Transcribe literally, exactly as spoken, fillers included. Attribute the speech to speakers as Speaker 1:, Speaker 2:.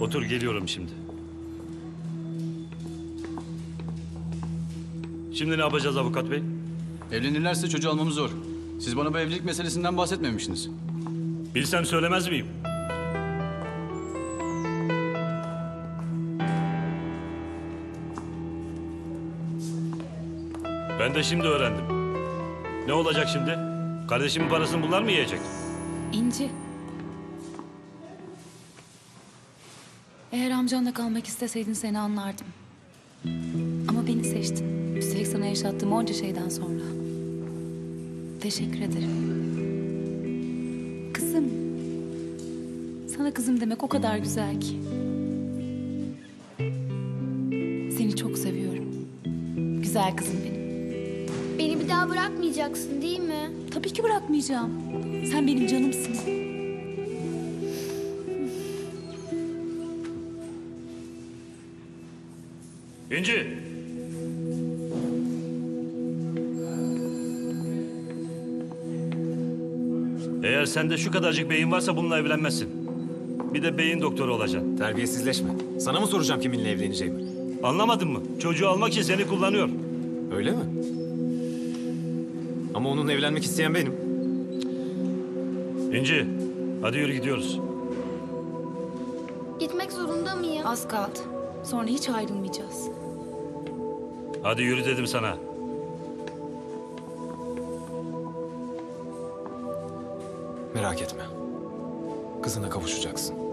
Speaker 1: Otur, geliyorum şimdi. Şimdi ne yapacağız avukat bey?
Speaker 2: Evlenirlerse çocuğu almamız zor. Siz bana bu evlilik meselesinden bahsetmemişsiniz.
Speaker 1: Bilsem söylemez miyim? Ben de şimdi öğrendim. Ne olacak şimdi? Kardeşimin parasını bunlar mı yiyecek?
Speaker 3: İnci. Eğer amcanla kalmak isteseydin seni anlardım. Ama beni seçtin. Üstelik sana yaşattığım onca şeyden sonra. Teşekkür ederim. Kızım. Sana kızım demek o kadar güzel ki. Seni çok seviyorum. Güzel kızım benim.
Speaker 4: Beni bir daha bırakmayacaksın değil mi?
Speaker 3: Tabii ki bırakmayacağım. Sen benim canımsın.
Speaker 1: İnci! Eğer sende şu kadarcık beyin varsa bununla evlenmezsin. Bir de beyin doktoru olacaksın.
Speaker 5: Terbiyesizleşme. Sana mı soracağım kiminle evleneceğimi?
Speaker 1: Anlamadın mı? Çocuğu almak için seni kullanıyor.
Speaker 5: Öyle mi? Ama onunla evlenmek isteyen benim.
Speaker 1: İnci, hadi yürü gidiyoruz.
Speaker 4: Gitmek zorunda mıyım?
Speaker 3: Az kaldı. Sonra hiç ayrılmayacağız.
Speaker 1: Hadi yürü dedim sana.
Speaker 5: Merak etme. Kızına kavuşacaksın.